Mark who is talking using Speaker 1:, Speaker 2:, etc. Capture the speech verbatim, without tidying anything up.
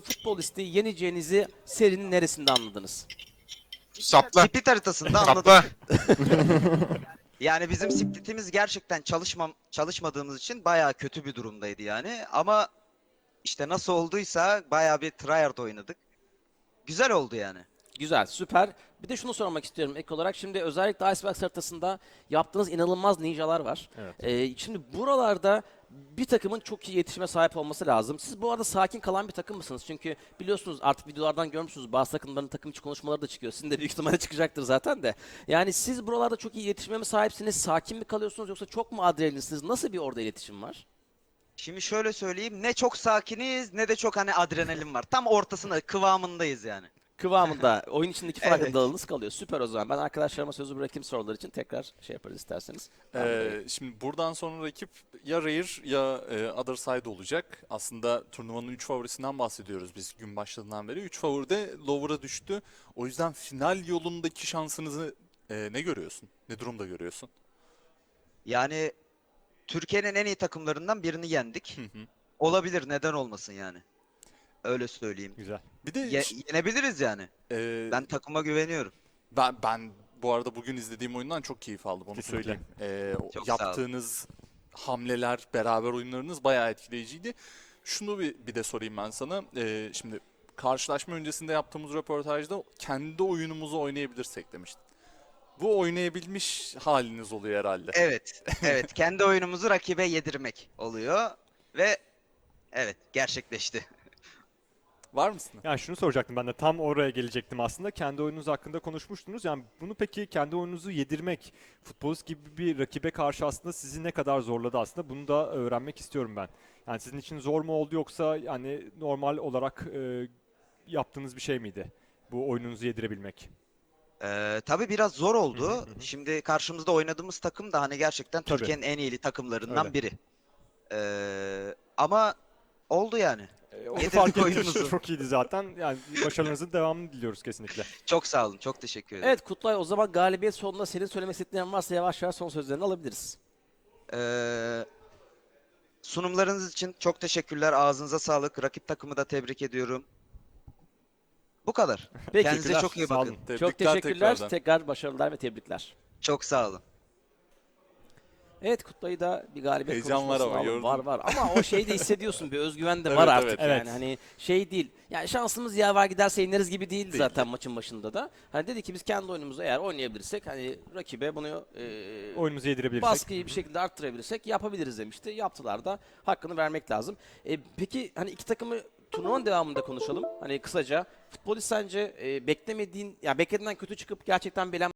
Speaker 1: Futbolist'i yeneceğinizi serinin neresinde anladınız?
Speaker 2: Sapla.
Speaker 3: Split haritasında anladık.
Speaker 2: Sapla.
Speaker 3: Yani bizim splitimiz gerçekten çalışmam çalışmadığımız için bayağı kötü bir durumdaydı yani. Ama işte nasıl olduysa bayağı bir tryhard oynadık. Güzel oldu yani.
Speaker 1: Güzel, süper. Bir de şunu sormak istiyorum ek olarak. Şimdi özellikle Icebox haritasında yaptığınız inanılmaz ninjalar var.
Speaker 4: Evet.
Speaker 1: Ee, şimdi buralarda bir takımın çok iyi iletişime sahip olması lazım. Siz bu arada sakin kalan bir takım mısınız? Çünkü biliyorsunuz artık videolardan görmüşsünüz bazı takımların takım içi konuşmaları da çıkıyor. Sizin de büyük ihtimalle çıkacaktır zaten de. Yani siz buralarda çok iyi iletişime mi sahipsiniz? Sakin mi kalıyorsunuz yoksa çok mu adrenalinsiniz? Nasıl bir orada iletişim var?
Speaker 3: Şimdi şöyle söyleyeyim, ne çok sakiniz ne de çok hani adrenalin var. Tam ortasında, kıvamındayız yani.
Speaker 1: Kıvamında oyun içindeki farkındalığınız
Speaker 3: Evet.
Speaker 1: kalıyor. Süper o zaman. Ben arkadaşlarıma sözü bırakayım sorular için tekrar şey yaparız isterseniz.
Speaker 5: Ee, şimdi buradan sonra rakip ya Rare ya e, Other Side olacak. Aslında turnuvanın üç favorisinden bahsediyoruz biz gün başladığından beri. üç favori de Lower'a düştü. O yüzden final yolundaki şansınızı e, ne görüyorsun? Ne durumda görüyorsun?
Speaker 3: Yani Türkiye'nin en iyi takımlarından birini yendik.
Speaker 5: Hı hı.
Speaker 3: Olabilir, neden olmasın yani. Öyle söyleyeyim.
Speaker 4: Güzel.
Speaker 5: Bir de
Speaker 3: Ye-
Speaker 5: ş-
Speaker 3: yenebiliriz yani.
Speaker 5: e,
Speaker 3: Ben takıma güveniyorum.
Speaker 5: ben ben bu arada bugün izlediğim oyundan çok keyif aldım onu
Speaker 4: Kesinlikle.
Speaker 5: söyleyeyim. E, o
Speaker 3: Çok sağ olun.
Speaker 5: yaptığınız hamleler, beraber oyunlarınız bayağı etkileyiciydi. Şunu bir, bir de sorayım ben sana. E, şimdi karşılaşma öncesinde yaptığımız röportajda kendi oyunumuzu oynayabilirsek demiştin. Bu oynayabilmiş haliniz oluyor herhalde.
Speaker 3: Evet, evet. Kendi oyunumuzu rakibe yedirmek oluyor ve evet, gerçekleşti.
Speaker 5: Var mısın?
Speaker 4: Yani şunu soracaktım ben de tam oraya gelecektim aslında. Kendi oyununuz hakkında konuşmuştunuz. Yani bunu peki kendi oyununuzu yedirmek futbolist gibi bir rakibe karşı aslında sizi ne kadar zorladı aslında bunu da öğrenmek istiyorum ben. Yani sizin için zor mu oldu yoksa yani normal olarak e, yaptığınız bir şey miydi? Bu oyununuzu yedirebilmek.
Speaker 3: Ee, tabii biraz zor
Speaker 4: Hı hı,
Speaker 3: oldu.
Speaker 4: hı hı.
Speaker 3: Şimdi karşımızda oynadığımız takım da hani gerçekten
Speaker 4: Tabii.
Speaker 3: Türkiye'nin en iyi takımlarından
Speaker 4: Öyle.
Speaker 3: biri. Ee, ama oldu yani.
Speaker 4: E, onu
Speaker 3: Yedirdik
Speaker 4: fark ettik.
Speaker 3: oyunumuzu.
Speaker 4: Çok iyiydi zaten. Yani başarınızın devamını diliyoruz kesinlikle.
Speaker 3: Çok sağ olun, çok teşekkür ederim.
Speaker 1: Evet Kutlay, o zaman galibiyet sonunda senin söylemek istediklerin varsa yavaş yavaş son sözlerini alabiliriz.
Speaker 3: Ee, sunumlarınız için çok teşekkürler. Ağzınıza sağlık. Rakip takımı da tebrik ediyorum. Bu kadar.
Speaker 1: Peki.
Speaker 3: Kendinize çok iyi
Speaker 4: Sağ
Speaker 3: bakın.
Speaker 4: olun.
Speaker 1: Çok
Speaker 5: Tebrikler
Speaker 1: teşekkürler.
Speaker 5: tekrardan.
Speaker 1: Tekrar başarılar ve tebrikler.
Speaker 3: Çok sağ olun.
Speaker 1: Evet Kutlay'ı da bir galibiyet
Speaker 5: Heyecan var
Speaker 1: konuşmasına
Speaker 5: ama,
Speaker 1: alalım.
Speaker 5: gördün
Speaker 1: Var
Speaker 5: mü?
Speaker 1: var ama o şeyi de hissediyorsun, bir özgüven de
Speaker 5: Evet,
Speaker 1: var
Speaker 5: evet.
Speaker 1: artık yani.
Speaker 4: Evet.
Speaker 1: Hani şey değil. Yani şansımız yaver giderse ineriz gibi değildi
Speaker 5: Değil.
Speaker 1: zaten maçın başında da. Hani dedi ki biz kendi oyunumuzu eğer oynayabilirsek hani rakibe bunu e,
Speaker 4: Oyununuzu yedirebilirsek.
Speaker 1: baskıyı bir şekilde arttırabilirsek yapabiliriz demişti. Yaptılar da, hakkını vermek lazım. E, peki hani iki takımı turnuvanın devamında konuşalım. Hani kısaca futbolist sence e, beklemediğin, ya beklediğinden kötü çıkıp gerçekten belen